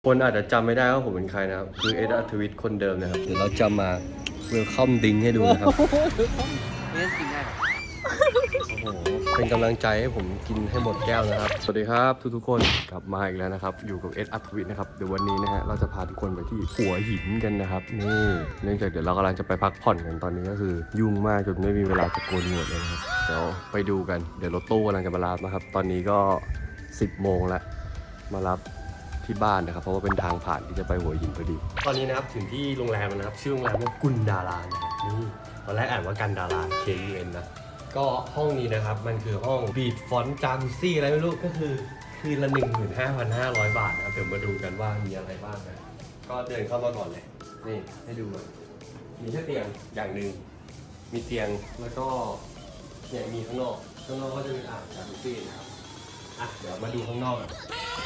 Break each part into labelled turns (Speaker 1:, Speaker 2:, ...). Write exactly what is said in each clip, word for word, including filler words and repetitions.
Speaker 1: คนอาจจะจำไม่ได้ว่าผมเป็นใครนะครับคือเอ็ดอัธวิทย์คนเดิมนะครับเดี๋ยวเราจะมาเวลคัมดิ้งให้ดูนะครับ
Speaker 2: เล่นกินได้หรอ
Speaker 1: โอ้โหเป็นกำลังใจให้ผมกินให้หมดแก้วนะครับสวัสดีครับทุกๆคนกลับมาอีกแล้วนะครับอยู่กับเอ็ดอัธวิทย์นะครับเดี๋ยววันนี้นะฮะเราจะพาทุกคนไปที่หัวหินกันนะครับนี่เนื่องจากเดี๋ยวเรากำลังจะไปพักผ่อนกันตอนนี้ก็คือยุ่งมากจนไม่มีเวลาจะโกนหนวดเลยนะครับเดี๋ยวไปดูกันเดี๋ยวรถตู้กำลังจะมารับนะครับตอนนี้ก็สิบโมงแล้วมารับที่บ้านนะครับเพราะว่าเป็นทางผ่านที่จะไปหัวหินพอดีตอนนี้นะครับถึงที่โรงแรมนะครับชื่อโรงแรมว่ากุนดารานะครับนี่ตอนแรกอ่านว่ากันดารา K U N นะก็ห้องนี้นะครับมันคือห้องบีทฟอนต์จาคุซี่อะไรไม่รู้ก็คือคืนละ หนึ่งหมื่นห้าพันห้าร้อย บาทนะครับเดี๋ยวมาดูกันว่ามีอะไรบ้างนะก็เดินเข้ามาก่อนเลยนี่ให้ดูมีแค่เตียงอย่างหนึ่งมีเตียงแล้วก็เนี่ยมีข้างนอกข้างนอกก็จะมีอ่างจาคุซี่นะครับอ่ะเดี๋ยวมาดูข้างนอกกัน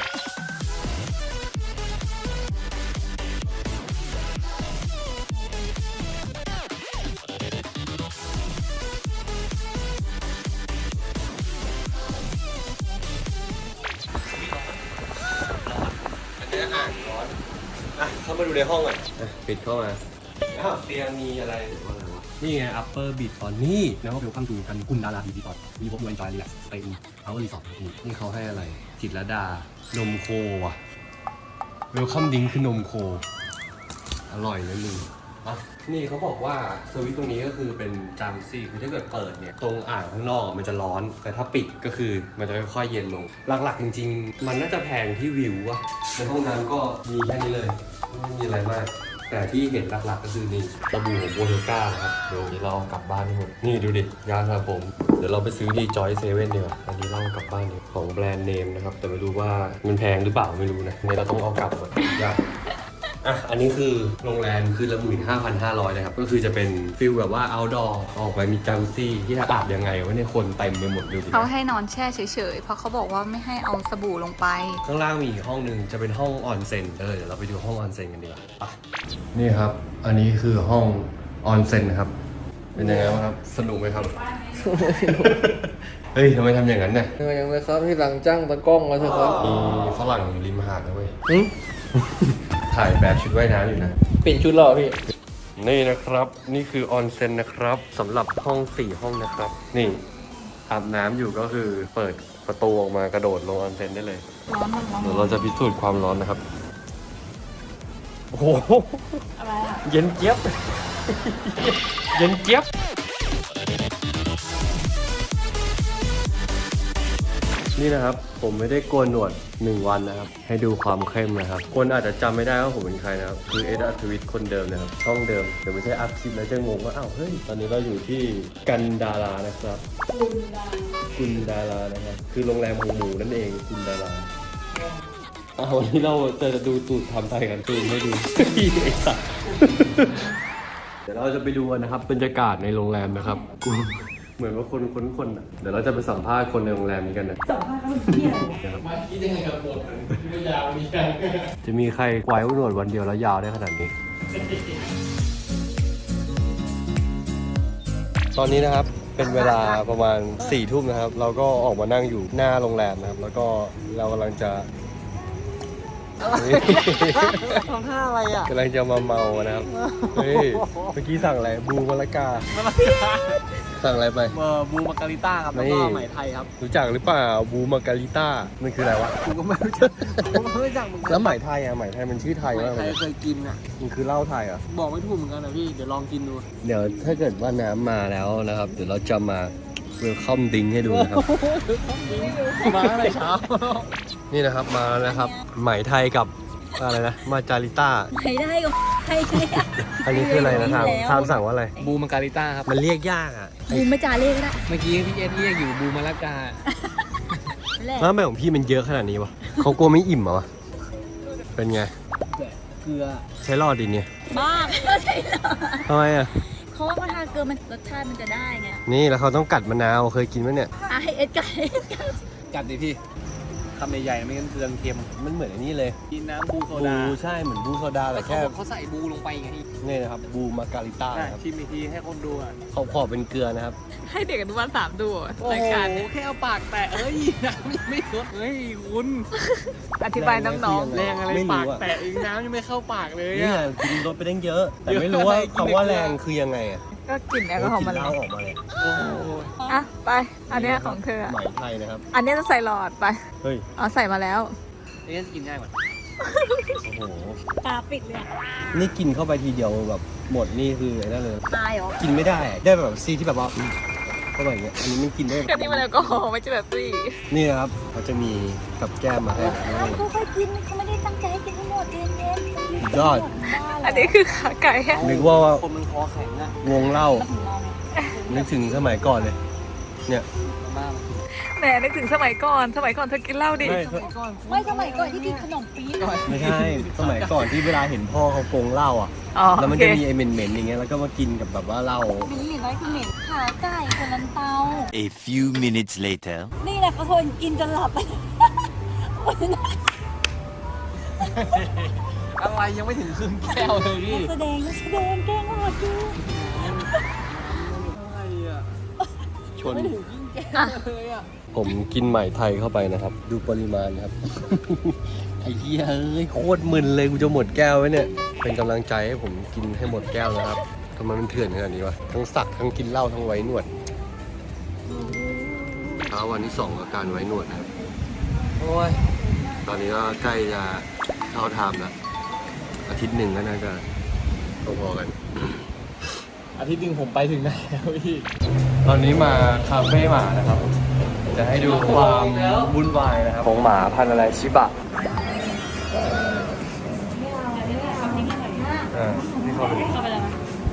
Speaker 1: เข้ามาดูในห้องก่อนปิดเข้ามาอ้าวเตียงมีอะไรหรือว่าอะไรวะนี่ไง upper beat ตอนนี้แล้วก็เวลคัมทูกันกุนดาราบีบีตอนมีพวกยูเอ็นจอยรีแลกซ์เป็นเอารีสอร์ทนี่เขาให้อะไรจิตรลดานมโคว่ะเวลคัมดิ้งคือนมโคอร่อยเลยมึงอ่ะนี่เขาบอกว่าสวิตช์ตรงนี้ก็คือเป็นจามซี่คือถ้าเกิดเปิดเนี่ยตรงอ่างข้างนอกมันจะร้อนแต่ถ้าปิดก็คือมันจะค่อยๆเย็นลงหลักๆจริงๆมันน่าจะแพงที่วิวอะในห้องน้ำก็มีแค่นี้เลยไม่มีอะไรมากแต่ที่เห็นหลักๆก็คือนี่สบู่ของโบเทก้านะครับเดี๋ยวเรากลับบ้านทั้งหมดนี่ดูดิยาสระผมเดี๋ยวเราไปซื้อดีจอยเซเว่นดีกว่าอันนี้เรากลับบ้านดีของแบรนด์เนมนะครับแต่ไม่รู้ว่ามันแพงหรือเปล่าไม่รู้นะนี่เราต้องเอากลับหมดยากอ่ะอันนี้คือโรงแรมคือละหมื่นห้าพันห้าร้อยนะครับก็คือจะเป็นฟิลแบบว่า outdoor ออกไปมีจัมซี่ที่ถ้าอาบยังไงวะเนี่ยคนเต็มไปหมดดูดิ
Speaker 3: เขาให้นอนแช่เฉยๆเพราะเขาบอกว่าไม่ให้เอาสบู่ลงไป
Speaker 1: ข้างล่างมีอีกห้องหนึ่งจะเป็นห้องออนเซ็นเออเดี๋ยวเราไปดูห้องออนเซ็นกันดีกว่าอ่ะนี่ครับอันนี้คือห้องออนเซ็นครับเป็นยังไงบ้างครับสนุกไหมครับ เฮ้ยทำไมทำอย่างนั้นเนี่ย
Speaker 2: ยังไม่ครับที่หลังจ้างตะกล้องแล้วเถอะครับ
Speaker 1: มีฝรั่งอยู่ริมหาดนะเว้ยถ่ายแบบชุดว่ายน้ำอยู่นะ
Speaker 2: เปลี่ยนชุดหรอพี่
Speaker 1: นี่นะครับนี่คือออนเซ็นนะครับสำหรับห้องสี่ห้องนะครับนี่อาบน้ำอยู่ก็คือเปิดประตูออกมากระโดดลงออนเซ็นได้เลย
Speaker 3: ร้อนมันร้อน
Speaker 1: เดี๋ยวเราจะพิสูจน์ความร้อนนะครับโอ้โห
Speaker 3: อะไรอ่ะ
Speaker 1: เย็นเจี๊ยบ เย็นเจี๊ยบนี่นะครับผมไม่ได้โกนหนวดหนึ่งวันนะครับให้ดูความเข้มนะครับคนอาจจะจำไม่ได้ว่าผมเป็นใครนะครับคือเอ็ดอัธวิทย์คนเดิมนะครับช่องเดิมเดี๋ยวไม่ใช่อัพคลิปแล้วจะงงว่าอ้าวเฮ้ยตอนนี้เราอยู่ที่กันดารานะครับกุนดารานะครับคือโรงแรมหมูหมูนั่นเองกุนดาราอ้าววันนี้เราจะดูตูดทำไทยกันตูดไม่ดู ไอ้สัสเดี๋ยวเราจะไปดูกันนะครับบรรยากาศในโรงแรมนะครับกูเหมือนว่าคนคนคนอ่ะเดี๋ยวเราจะไปสัมภาษณ์คนในโรงแรมนี้กันนะสัมภาษณ์เขาเป็นเที่ยวมาคิดยังไงกับหมดมันยาวมีแค่จะมีใครไว้หนวดวันเดียวแล้วยาวได้ขนาดนี้ ตอนนี้นะครับเป็นเวลาประมาณสี่ทุ่มนะครับเราก็ออกมานั่งอยู่หน้าโรงแรมนะครับแล้วก็เรากำลังจะ
Speaker 2: ทำท่าอะไรอ่ะ
Speaker 1: กำลังจะมาเมานะครับเฮ้ยเมื่อกี้สั่งอะไรบูมะละกาสั่งอะไรไป
Speaker 2: เบอร์บูมาการิต้าครับแล้วก็ไหมไทยครับ
Speaker 1: รู้จักหรือเปล่าบูมาการิต้ามันคืออะไรวะ
Speaker 2: ผมก็ไม่รู้จักผมไม่รู้จักมึง
Speaker 1: แล้วไหมไทยอ่ะไหมไทยมันชื่อไทยว่าอะไร
Speaker 2: เคยกินอ่ะ
Speaker 1: มันคือเหล้าไทยอ่ะ
Speaker 2: บอกไม่ถูกเหมือนกันนะพี่เดี๋ยวลองกินดู
Speaker 1: เดี๋ยวถ้าเกิดว่าน้ำมาแล้วนะครับเดี๋ยวเราจะมาเวลคัมดิ้งให้ดูนะครับ
Speaker 2: มาอะไรเช้า
Speaker 1: นี่นะครับมาแล้วนะครับไหมไทยกับอะไรนะมาจาริต้า
Speaker 3: ไม่ได้ก็ใช่ใช่
Speaker 1: อันนี้คืออะไรนะทามทามสั่งว่าอะไร
Speaker 2: บูมาการิต้าครับ
Speaker 1: มันเรียกยากอ่ะ
Speaker 3: บูมไม่จ่าเรียกก็ได้
Speaker 2: เมื่อกี้พี่เอ็ดเรียกอยู่บูมาละกา
Speaker 1: แล้วทำไมของพี่มันเยอะขนาดนี้วะเขากลัวไม่อิ่มเหรอวะเป็นไง
Speaker 2: เกลือ
Speaker 1: ใช้รอดดิเนี่ย
Speaker 3: บ้าไม่ใช่หรอ
Speaker 1: ทำไมอ่ะ
Speaker 3: เขาว่าพอทานเกลือมันรสชาติมันจะได้ไง
Speaker 1: นี่แล้วเขาต้องกัดมะนาวเคยกินไหมเนี่ย
Speaker 3: ไอเอ็ดกัด
Speaker 2: กัดดิพี่คำใหญ่ๆไม่งั้นเกลือเค็ม
Speaker 1: มันเหมือนอันนี้เลย
Speaker 2: กินน้ำบูโซ
Speaker 1: บู
Speaker 2: ดา
Speaker 1: ใช่เหมือนบูโซดา
Speaker 2: แล้
Speaker 1: แต่
Speaker 2: วเขา
Speaker 1: แค่
Speaker 2: บอกเขาใส่บูลงไปไง
Speaker 1: นี่นะครับบูมาการิต้า
Speaker 2: อ่ะ
Speaker 1: ครับ
Speaker 2: ชิมอีกทีให้คนดูอ่ะ
Speaker 1: ขอบขอบเป็นเกลือนะครับ
Speaker 3: ให้เด็กอนุบาลสามดูอะ
Speaker 2: โอ้
Speaker 3: ราย
Speaker 2: โห
Speaker 3: การเนี่ย
Speaker 2: แค่เอาปากแตะเอ้ยน้ำยังไม่ลดเฮ้ยคุณ
Speaker 3: อธิบายน้อง
Speaker 2: แรงอะไร
Speaker 1: ไม่รู้
Speaker 2: ปาก
Speaker 1: อะ
Speaker 2: แตะเองน้ำยังไม่เข้าปากเลย
Speaker 1: นี่
Speaker 2: อ่ะ
Speaker 1: กินรสไปตั้งเยอะ แต่ไม่รู้ว่า
Speaker 2: เยอะ
Speaker 1: คำว่าแรงคือยังไงอ่ะ
Speaker 3: ๆ ก็กลิ่นแอลกอฮอล์
Speaker 1: กิ
Speaker 3: มัน
Speaker 1: น
Speaker 3: เล
Speaker 1: เหล้าย ออกมาเลย
Speaker 2: โอ้โห
Speaker 3: อ่ะไป อันเนี้ยของเธออะ
Speaker 1: ไหมไทยนะครับ
Speaker 3: อันเนี้ยจะใส่หลอดไป
Speaker 1: เฮ้ย
Speaker 3: เอาใส่มาแล้ว
Speaker 2: เอ๊ะกินง่ายกว่า
Speaker 1: โอ้โห
Speaker 4: ตาปิดเลย
Speaker 1: นี่กินเข้าไปทีเดียวแบบหมดนี่คือไอ้นั่นเลย
Speaker 4: ตายเหรอ
Speaker 1: กินไม่ได้อะได้แบบซีที่แบบว่าอืมเข้าไปอย่างเงี้ย อันนี้มันกินได้
Speaker 3: ก็นี่มันแอลกอฮอล์ไม่ใช่แบบตี้
Speaker 1: นี่นะครับเขาจะมีกับแก้มมาให้นะ
Speaker 4: ค่อยๆกินเขาไม่ได้ตั้งใจให้กินทั้งหมดเย็นเย็น
Speaker 1: ยอด
Speaker 3: อันนี้คือขาไก่แห้ง
Speaker 1: นึกว่า
Speaker 2: คนมันคอแข็งอ่ะ
Speaker 1: วงเหล้านึกถึงสมัยก่อนเลย เนี่ย
Speaker 2: มา
Speaker 3: แหมนึกถึงสมัยก่อน สมัยก่อนเธอกินเหล้าดิ
Speaker 1: ไม่
Speaker 4: ไม่สมัยก่อนที่กินขนมปี๊บ
Speaker 1: ไม่ใช่ สมัยก่อนที่เวลาเห็นพ่อเขากงเหล้าอ่ะ
Speaker 3: อ๋อ
Speaker 1: แล้ว
Speaker 3: โอ
Speaker 1: มัน
Speaker 3: เค
Speaker 1: จะมีไอ้เหม็นๆอย่างเงี้ย แล้วก็มากินกับแบบว่าเหล้า
Speaker 4: เหม็นเหม็นน้อยคือเหม็นขาไก่คนลันเตา
Speaker 5: A few minutes later.
Speaker 4: นี่แหละเขาทนกินจนหลับไป
Speaker 2: อะไรยังไม่ถึงครึ่งแก้วเลยพี่
Speaker 4: แสดงแสดงแกล้งหมดดู
Speaker 2: อะไรอ่ะ
Speaker 1: ชน
Speaker 2: ไม่ถึงครึ่งแก้วเลยอ่ะ
Speaker 1: ผมกินใหม่ไทยเข้าไปนะครับ ดูปริมาณครับ ไอ้เหี้ยเอ้ยโคตรมึนเลยกูจะหมดแก้วไว้เนี่ย เป็นกำลังใจให้ผมกินให้หมดแก้วนะครับทำไมมันเถื่อนขนาดนี้วะทั้งสักทั้งกินเหล้าทั้งไว้หนวดเช้าวันที่สองอาการไว้หนวดนะครับ
Speaker 2: โอ้ย
Speaker 1: ตอนนี้ก็ใกล้จะเข้าไทม์แล้วอาทิตย์หนึ่งก็น่าจะพอๆกัน
Speaker 2: อาทิตย์หนึงผมไปถึงไหนแล้วพี่
Speaker 1: ตอนนี้มาคาเฟ่หมานะครับ จะให้ดูความวุ่นวายนะครับของหมาพันธุ์อะไรชิบะอ่าที่เข้าไปดู
Speaker 4: เข้าไปแล้ว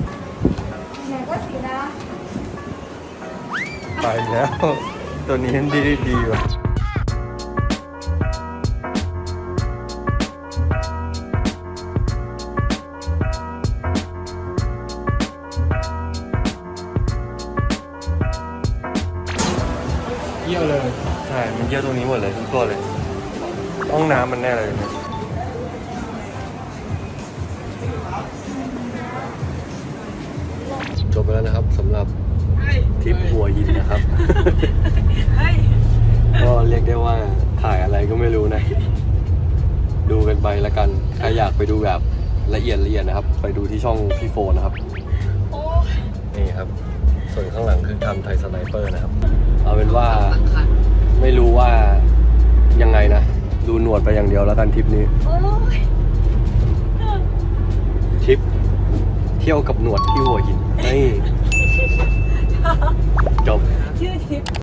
Speaker 1: ไปแล้ว ตัวนี้ดีดีดีว่ะเยี่ยวเลย ใช่ มันเยี่ยวตรงนี้หมดเลยทุกตัวเลย ห้องน้ำมันแน่เลยเนี่ยจบไปแล้วนะครับสำหรับทริปหัวหินนะครับ ก็เรียกได้ว่าถ่ายอะไรก็ไม่รู้นะ ดูกันไปละกัน ใครอยากไปดูแบบละเอียดละเอียดนะครับ ไปดูที่ช่องพี่โฟนนะครับ นี่ครับ ส่วนข้างหลังคือทำไทยสไนเปอร์นะครับ เอาเป็นว่าไม่รู้ว่ายังไงนะ ดูหนวดไปอย่างเดียวแล้วกันทริปนี้ทริปเที่ยวกับหนวดที่หัวหินนี่จบ
Speaker 4: ชื่อทิป